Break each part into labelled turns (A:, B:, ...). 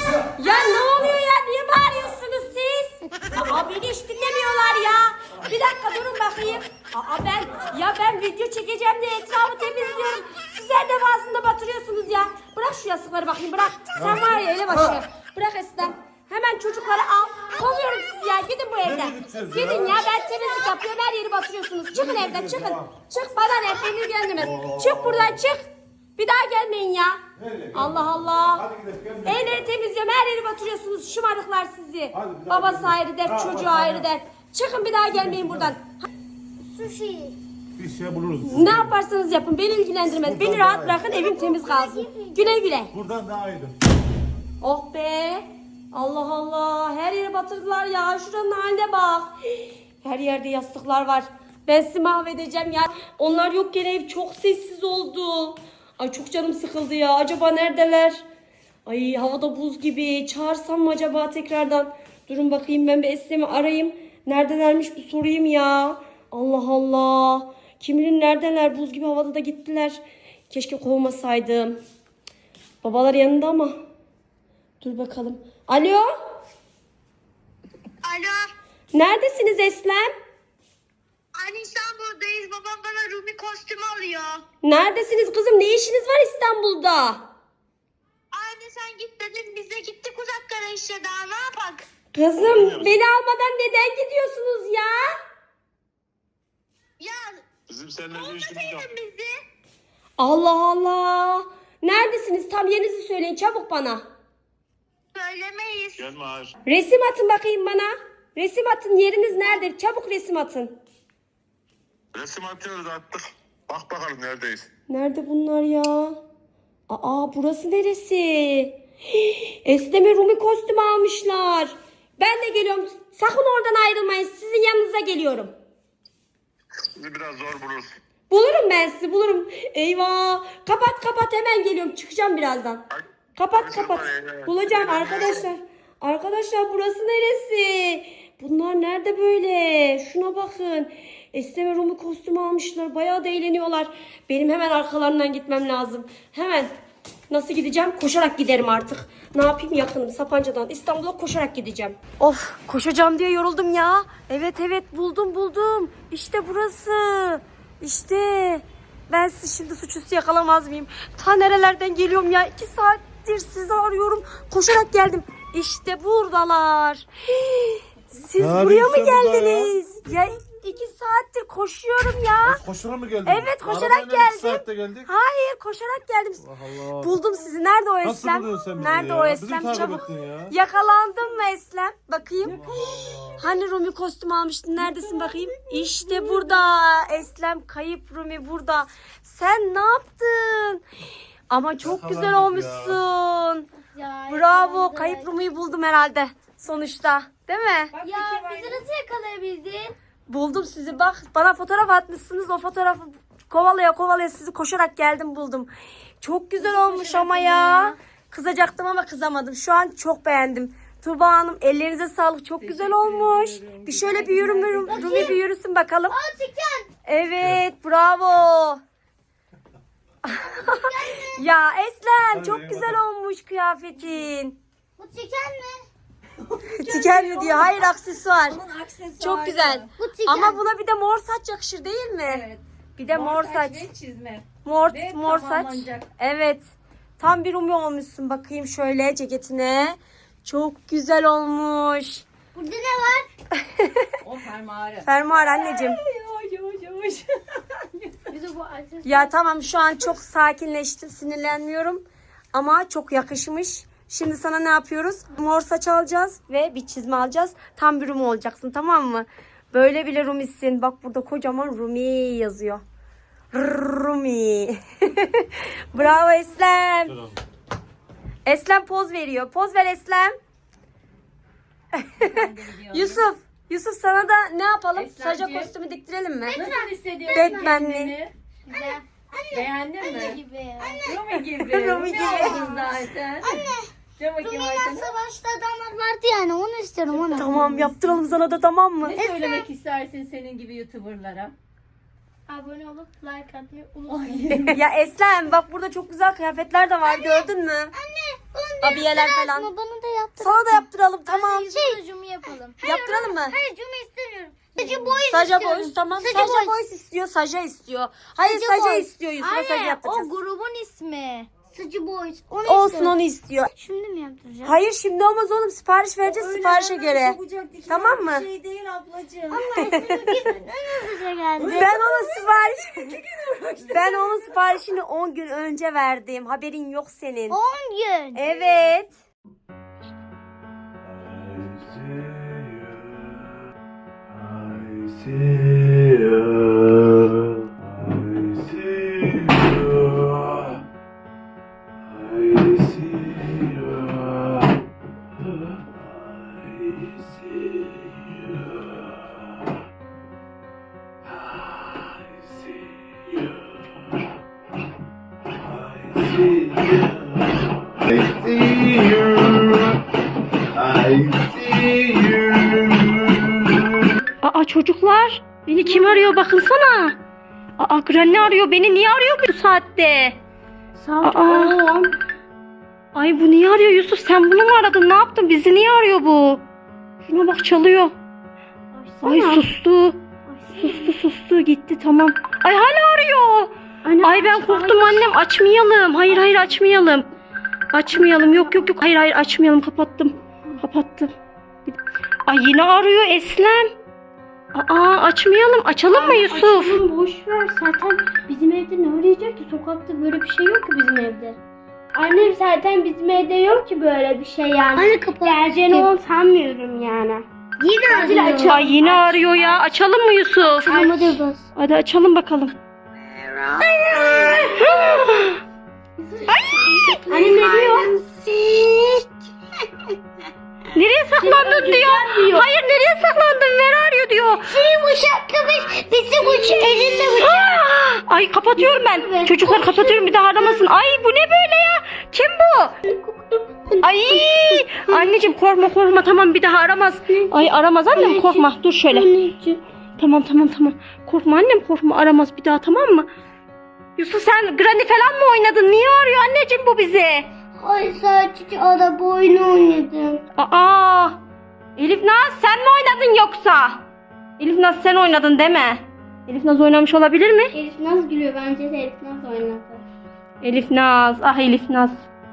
A: Ya ne oluyor ya? Niye bağırıyorsunuz siz? Aa beni hiç dinlemiyorlar ya. Bir dakika durun bakayım. Ben video çekeceğim diye etrafı temizliyorum. Sizler de bazında batırıyorsunuz ya. Bırak şu yastıkları bakayım bırak. Sen var ya elebaşı. Bırak Eslem. Hemen çocukları al. Kovuyorum sizi ya. Gidin bu evden. Gidin ya ben temizlik yapıyorum. Her yeri batırıyorsunuz. Çıkın evden çıkın. Çık bana ne? Beni ilgilendirmez. Çık buradan çık. Bir daha gelmeyin ya. Allah Allah. Evleri temizliyorum. Her yeri batırıyorsunuz. Şımarıklar sizi. Babası ayrı dert, çocuğu ayrı dert. Çıkın bir daha gelmeyin buradan.
B: Sushi.
C: Bir şey buluruz.
A: Ne yaparsanız yapın. Beni ilgilendirmez. Beni rahat bırakın. Evim temiz kalsın. Güle güle.
C: Buradan daha iyiydi.
A: Oh be. Allah Allah. Her yeri batırdılar ya. Şuranın haline bak. Her yerde yastıklar var. Ben sizi mahvedeceğim ya. Onlar yokken ev çok sessiz oldu. Ay çok canım sıkıldı ya. Acaba neredeler? Ay havada buz gibi. Çağırsam mı acaba tekrardan? Durun bakayım ben bir Eslem'i arayayım. Neredelermiş bir sorayım ya. Allah Allah. Kim bilir neredeler? Buz gibi havada da gittiler. Keşke kovmasaydım. Babalar yanında ama. Dur bakalım. Alo?
B: Alo.
A: Neredesiniz Eslem?
B: Anne İstanbul'dayız. Babam bana Rumi kostümü alıyor.
A: Neredesiniz kızım? Ne işiniz var İstanbul'da?
B: Anne sen git dedin. Biz de gittik uzaklara işte daha ne yapak?
A: Kızım beni almadan neden gidiyorsunuz ya?
B: Ya
D: Bizim seninle bir işimiz yok.
B: olmasaydın bizi.
A: Allah Allah. Neredesiniz? Tam yerinizi söyleyin çabuk bana.
B: Söylemeyiz.
D: Gelme hayır.
A: Resim atın bakayım bana. Resim atın yeriniz nerede? Çabuk resim atın.
D: Resim atıyoruz attık. Bak bakalım neredeyiz.
A: Nerede bunlar ya? Aa burası neresi? Esneme Rumi kostümü almışlar. Ben de geliyorum. Sakın oradan ayrılmayın. Sizin yanınıza geliyorum.
D: Bizi biraz zor buluruz.
A: Bulurum ben sizi bulurum. Eyvah. Kapat hemen geliyorum. Çıkacağım birazdan. Kapat. Bulacağım arkadaşlar. Arkadaşlar burası neresi? Bunlar nerede böyle? Şuna bakın. Esneme Rumi kostümü almışlar. Bayağı da eğleniyorlar. Benim hemen arkalarından gitmem lazım. Hemen. Nasıl gideceğim? Koşarak giderim artık. Ne yapayım yakınım Sapanca'dan İstanbul'a koşarak gideceğim. Of koşacağım diye yoruldum ya. Evet buldum. İşte burası. İşte. Ben sizi şimdi suçüstü yakalamaz mıyım? Ta nerelerden geliyorum ya? 2 saattir sizi arıyorum. Koşarak geldim. İşte buradalar. Siz
C: Ne
A: buraya mı
C: arıyorsun burada
A: geldiniz? Ya 2 saattir koşuyorum ya.
C: Koşarak mı geldin?
A: Evet koşarak
C: Arabayla
A: geldim.
C: 2 saatte geldik.
A: Hayır koşarak geldim.
C: Allah Allah.
A: Buldum sizi. Nerede o
C: Nasıl
A: Eslem?
C: buluyorsun sen bizi
A: Nerede
C: ya?
A: o
C: Bizi
A: Eslem?
C: takip
A: Çabuk.
C: ettin ya.
A: Yakalandın mı Eslem? Bakayım. Hani Rumi kostüm almıştın? Neredesin bakayım? İşte burada. Eslem kayıp Rumi burada. Sen ne yaptın? Ama çok güzel
C: Yakalandık
A: olmuşsun.
B: Ya,
A: Bravo. Kayıp Rumi'yi buldum herhalde. Sonuçta. Değil mi?
B: Ya bizi nasıl yakalayabildin?
A: Buldum sizi bak. Bana fotoğraf atmışsınız. O fotoğrafı kovalaya sizi koşarak geldim buldum. Çok güzel olmuş ama ya. Kızacaktım ama kızamadım. Şu an çok beğendim. Tuğba Hanım ellerinize sağlık. Çok güzel olmuş. Bir şöyle bir Rumi bir yürüsün bakalım.
B: Çıkan.
A: Evet bravo. Ya Eslem çok güzel olmuş kıyafetin.
B: Bu çıkan mı?
A: Tiker mi diyor? Hayır aksesuar. Çok güzel.
B: Bu çıkan.
A: Ama buna bir de mor saç yakışır değil mi?
E: Evet.
A: Bir de mor saç.
E: ve çizme.
A: Mor
E: Ve
A: saç.
E: tamamlanacak.
A: Evet. Tam bir Rumi olmuşsun. Bakayım şöyle ceketine. Çok güzel olmuş.
B: Burada ne var?
E: O fermuarı.
A: Fermuar anneciğim.
E: Yavaş.
B: Bize bu açız.
A: Ya tamam şu an çok sakinleştim. Sinirlenmiyorum. Ama çok yakışmış. Şimdi sana ne yapıyoruz? Mor saç alacağız ve bir çizme alacağız. Tam bir Rumi olacaksın tamam mı? Böyle bile Rumisin. Bak burada kocaman Rumi yazıyor. Rumi. Bravo Eslem. Eslem poz veriyor. Poz ver Eslem. Yusuf sana da ne yapalım? Saca
E: Eslemciğim.
A: kostümü diktirelim mi?
E: Nasıl hissediyorsun
A: Batman'li.
E: kendini?
B: Güzel.
E: Beğendin mi?
B: Gibi.
E: Rumi gibi.
A: Rumi gibi.
E: oldun zaten. Dön bakayım
B: Rumi'den
E: arkana.
B: savaşta adamlar vardı yani onu istiyorum onu.
A: Tamam yaptıralım sana da tamam mı?
E: Ne söylemek istersin senin gibi YouTuber'lara?
B: Abone olup like atmayı unutmayın.
A: Ya Eslem bak burada çok güzel kıyafetler de var gördün mü?
B: Anne
A: Abiyeler falan.
F: Bana da yaptır.
A: Sana da yaptıralım tamam.
F: Ucumu yapalım.
A: Yaptıralım mı?
F: Hayır cumu istemiyorum. Saja boys
A: Saja
F: istiyorum.
A: boys tamam.
F: Saja
A: Saja
F: boys.
A: boys istiyor. Saja istiyor. Hayır
F: Saja
A: Saja
F: boys.
A: istiyor. Yusuf'a Saja
F: Anne o
A: yaptıracağız.
F: grubun ismi. Saja boys. Onu
A: Olsun
F: istiyorum.
A: onu istiyor.
F: Şimdi mi yaptıracağız?
A: Hayır şimdi olmaz oğlum. Sipariş vereceğiz siparişe göre. Tamam mı?
E: Şey değil ablacığım.
F: Ama en hızlıca geldi.
A: Ben onun siparişini 10 gün önce verdim. Haberin yok senin.
F: 10 gün.
A: Evet. Aa çocuklar beni kim arıyor bakınsana. Aa Granny arıyor beni niye arıyor bu saatte? Aa. Ay bu niye arıyor Yusuf sen bunu mu aradın ne yaptın bizi niye arıyor bu? Şuna bak çalıyor. Ay sustu. Sustu gitti tamam. Ay hala arıyor. Ay ben korktum annem açmayalım. Hayır açmayalım. Açmayalım yok hayır açmayalım kapattım. Ay yine arıyor Eslem. Aa açmayalım. Açalım mı Yusuf?
G: Açalım boş ver. Zaten bizim evde ne arayacak ki? Sokakta böyle bir şey yok ki bizim evde. Annem zaten bizim evde yok ki böyle bir şey yani.
F: Anne kapat.
G: Geleceğini onu sanmıyorum yani.
F: Yine
G: Acil
F: arıyor.
G: açalım.
A: Ay yine arıyor ya. Açalım mı Yusuf?
F: Hadi bas.
A: Hadi açalım bakalım.
G: Annem ne diyor?
A: Nereye saklandın diyor. Hayır nereye saklandın? Ver arıyor diyor.
F: Senin bıçak kıvış. Bizim bıçak elinde bıçak.
A: Ay kapatıyorum ben. Çocuklar kapatıyorum bir daha aramasın. Ay bu ne böyle ya? Kim bu? Ay anneciğim korkma tamam bir daha aramaz. Ay aramaz annem korkma dur şöyle. Tamam. Korkma annem korkma aramaz bir daha tamam mı? Yusuf sen Granny falan mı oynadın? Niye arıyor anneciğim bu bizi?
F: Ay sadece araba oyunu oynadım.
A: Aa Elif Naz sen mi oynadın yoksa? Elif Naz sen oynadın deme. Elif Naz oynamış olabilir mi?
G: Elif nasıl gülüyor? Bence de Elif nasıl oynadı?
A: Elif Naz Elif Naz.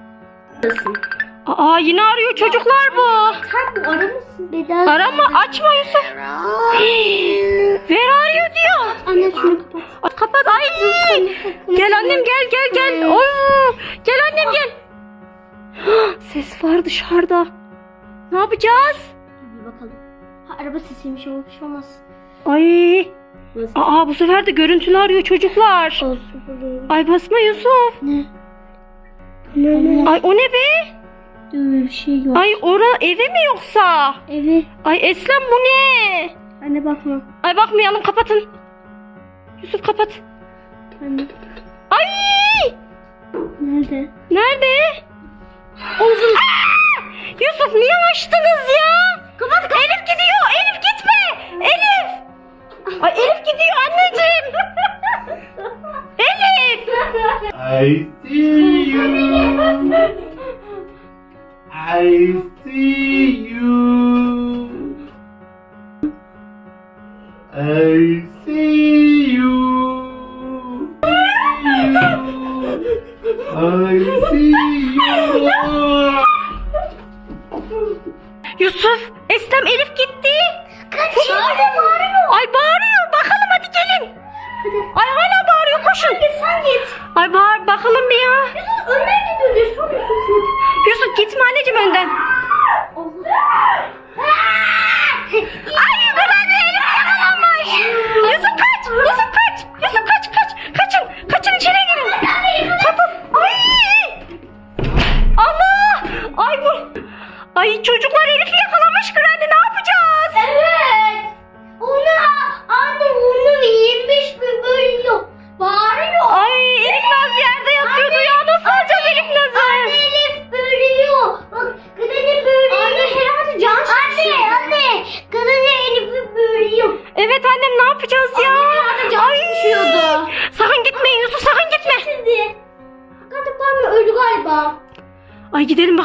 A: Aa yine arıyor çocuklar bu.
G: Sen bu aramışsın.
F: Bedava.
A: Arama açma Yusuf. Ver arıyor diyor.
G: Anne şunu kapat.
A: Ay, kapat ay. Gel annem gel. Oo, gel annem gel. Ses var dışarıda. Ne yapacağız?
G: Bir bakalım. Ha, araba sesiymiş o bir şey olmaz.
A: Ay.
G: Nasıl?
A: Aa bu sefer de görüntülü arıyor çocuklar.
G: Olsun bunu.
A: Ay basma Yusuf.
G: Ne?
A: Ay o ne be?
G: Öyle bir şey yok.
A: Ay eve mi yoksa?
G: Evet.
A: Ay Eslem bu ne?
G: Anne bakma.
A: Ay bakmayalım kapatın. Yusuf kapat.
G: Anne.
A: Ay!
G: Nerede?
A: Nerede? Uzun. Yusuf niye açtınız ya? Kapat. Elif gidiyor. Elif gitme. Elif. Ay Elif gidiyor anneciğim. Elif.
C: I see you. I see you. I see you. I see you.
A: Yusuf, Eslem Elif gitti. Ay bağırıyor. Bakalım hadi gelin. Ay hala bağırıyor koşun.
G: Sen git.
A: Ay bağır bakalım bir ya.
G: Yusuf önden gidiyor. Soruyorsun.
A: Yusuf gitme anneciğim önden. Ay Granny Elif yakalanmış. Yusuf kaç. Kaçın içeri girin. Kapı. Allah. Ay çocuklar Elif'i yakalamış Granny ne yapacağız?
F: Evet. Anne onu 25 bir bölüyor. Bağırıyor.
A: Ay Elif Naz yerde yatıyordu ya nasıl alacağız Elif Naz'ı?
F: Elif bölüyor. Bak Granny bölüyor. Anne herhalde can çekişiyor. Anne Granny Elif'i bölüyor.
A: Evet annem ne yapacağız ya?
F: Can çekişiyordu.
A: Sakın gitmeyin Yusuf sakın gitme.
F: Şimdi. Galiba öldü galiba.
A: Ay gidelim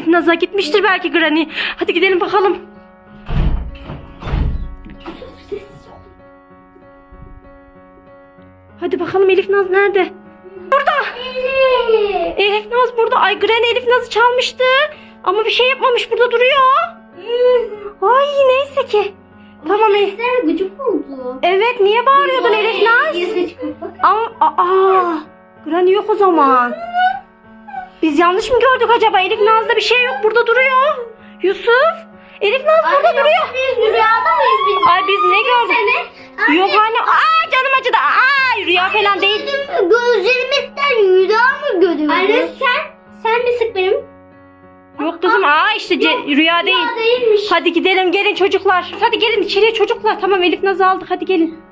A: Naz'a gitmiştir belki Granny. Hadi gidelim bakalım. Hadi bakalım Elif Naz nerede? Burada. Elif Naz burada. Ay Granny Elif Naz'ı çalmıştı. Ama bir şey yapmamış, burada duruyor. Ay neyse ki. Tamam Elif.
G: Sesler gıcık oldu.
A: Evet, niye bağırıyordun Elif Naz? Granny yok o zaman. Biz yanlış mı gördük acaba? Elif Naz'da bir şey yok, burada duruyor. Yusuf. Elif Naz burada duruyor.
G: Biz rüyada mıyız biz?
A: Ay biz ne gördük? Yok anne. Aa canım acıdı. Aa rüya falan değil.
G: Gözlerimizden rüya mı görüyoruz? Anne sen mi sık benim?
A: Yok kızım. Aa işte rüya değil.
G: Rüya değilmiş.
A: Hadi gidelim, gelin çocuklar. Hadi gelin içeriye çocuklar. Tamam Elif Naz'ı aldık, hadi gelin.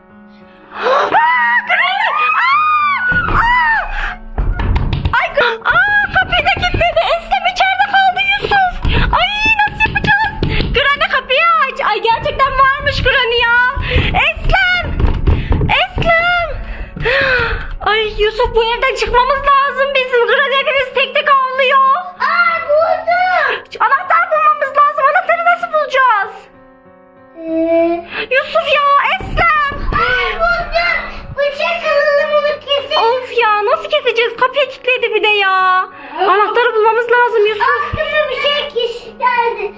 A: Kapıyı da kilitledi. Eslem içeride kaldı Yusuf. Ay nasıl yapacağız? Granny kapıyı aç. Ay gerçekten varmış Granny ya. Eslem. Eslem. Ay Yusuf, bu evden çıkmamız lazım bizim. Granny hepimiz tek tek avlıyor.
G: Buldum.
A: Anahtar bulmamız lazım. Anahtarı nasıl bulacağız? Yusuf ya, Eslem.
G: Buldum. Bıçak alalım onu kesin.
A: Of ya, nasıl keseceğiz? Kapıyı kilitledi bir de ya. Anahtarı bulmamız lazım Yusuf.
G: Aklıma bir şey geldi.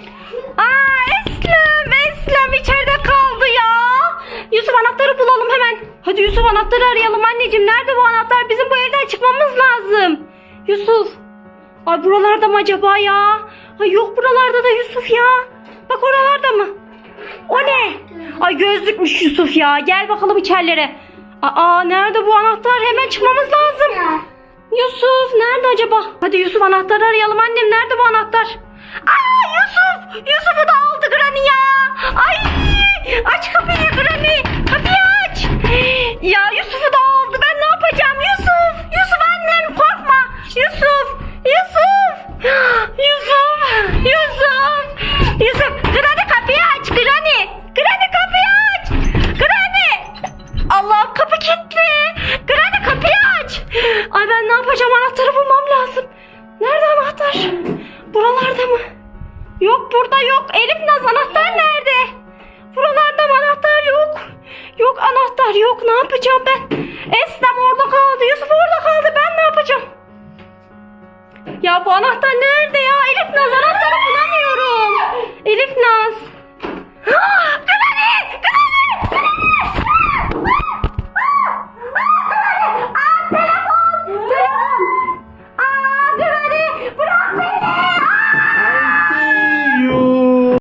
A: Eslem içeride kaldı ya. Yusuf anahtarı bulalım hemen. Hadi Yusuf anahtarı arayalım anneciğim. Nerede bu anahtar? Bizim bu evden çıkmamız lazım. Yusuf. Ay buralarda mı acaba ya? Ay yok buralarda da Yusuf ya. Bak oralarda mı? O ne? Ay gözlükmüş Yusuf ya. Gel bakalım içerilere. Nerede bu anahtar? Hemen çıkmamız lazım. Yusuf nerede acaba? Hadi Yusuf anahtarı arayalım annem. Nerede bu anahtar? Yusuf! Yusuf'u da aldı Granny ya. Ay! Aç kapıyı Granny. Kapıyı aç. Ya Yusuf'u da aldı. Ben ne yapacağım Yusuf? Yusuf annem korkma. Yusuf! Granny kapıyı aç Granny. Granny kapıyı aç. Granny! Allah'ım kapı kilitli. Granny kapıyı aç. Ay ben ne yapacağım? Anahtarı bulmam lazım. Nerede anahtar? Buralarda mı? Yok burada yok. Elif Naz anahtar nerede? Buralarda mı anahtar yok? Yok anahtar yok. Ne yapacağım ben? Eslem orada kaldı. Yusuf orada kaldı. Ben ne yapacağım? Ya bu anahtar nerede ya? Elif Naz anahtar